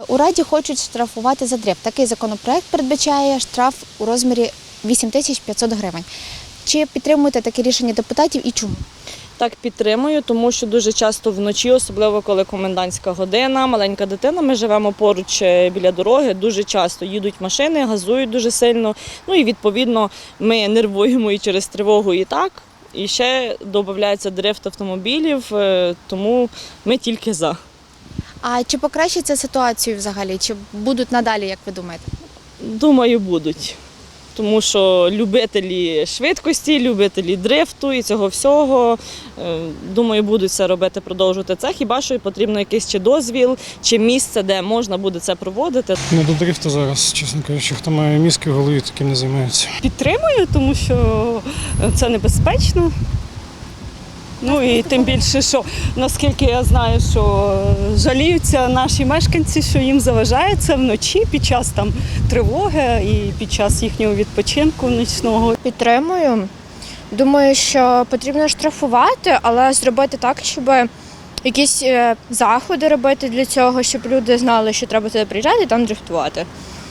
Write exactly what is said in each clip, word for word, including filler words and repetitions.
У Раді хочуть штрафувати за дрифт. Такий законопроект передбачає штраф у розмірі вісім тисяч п'ятсот гривень. Чи підтримуєте таке рішення депутатів і чому? Так, підтримую, тому що дуже часто вночі, особливо коли комендантська година, маленька дитина, ми живемо поруч біля дороги, дуже часто їдуть машини, газують дуже сильно. Ну і відповідно ми нервуємо і через тривогу і так. І ще додається дрифт автомобілів, тому ми тільки за. А чи покращиться ситуацію взагалі? Чи будуть надалі, як ви думаєте? Думаю, будуть. Тому що любителі швидкості, любителі дрифту і цього всього, думаю, будуть це робити, продовжувати це. Хіба що потрібно якийсь чи дозвіл, чи місце, де можна буде це проводити. Не до дрифту зараз, чесно кажучи, хто має мізки в голові, таким не займається. Підтримую, тому що це небезпечно. Ну і тим більше, що наскільки я знаю, що жаліються наші мешканці, що їм заважає це вночі під час там тривоги і під час їхнього відпочинку нічного. Підтримую. Думаю, що потрібно штрафувати, але зробити так, щоб якісь заходи робити для цього, щоб люди знали, що треба туди приїжджати і там дрифтувати.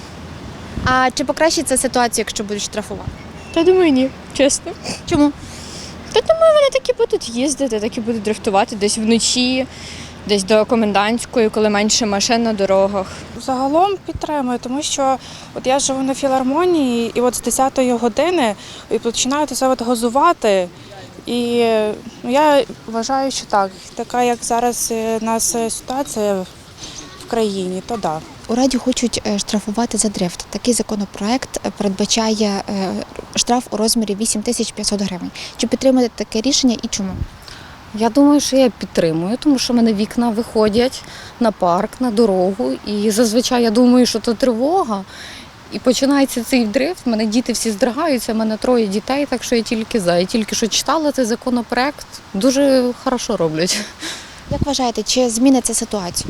А чи покращиться ситуація, якщо будуть штрафувати? Та думаю, ні, чесно. Чому? Та думаю, вони так і будуть їздити, так і будуть дрифтувати десь вночі, десь до комендантської, коли менше машин на дорогах. Загалом підтримую, тому що от я живу на філармонії, і от з десятої години і починають це от газувати. І ну, я вважаю, що так, така як зараз у нас ситуація в країні, то так. У Раді хочуть штрафувати за дрифт. Такий законопроект передбачає штраф у розмірі вісім тисяч п'ятсот гривень. Чи підтримуєте таке рішення і чому? Я думаю, що я підтримую, тому що в мене вікна виходять на парк, на дорогу. І зазвичай я думаю, що це тривога. І починається цей дрифт, в мене діти всі здригаються, в мене троє дітей, так що я тільки за. Я тільки що читала цей законопроект, дуже хорошо роблять. Як вважаєте, чи зміниться ситуацію?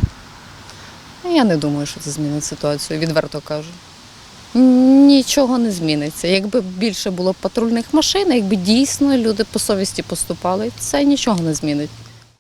Я не думаю, що це змінить ситуацію, відверто кажу. Нічого не зміниться. Якби більше було патрульних машин, якби дійсно люди по совісті поступали, це нічого не змінить.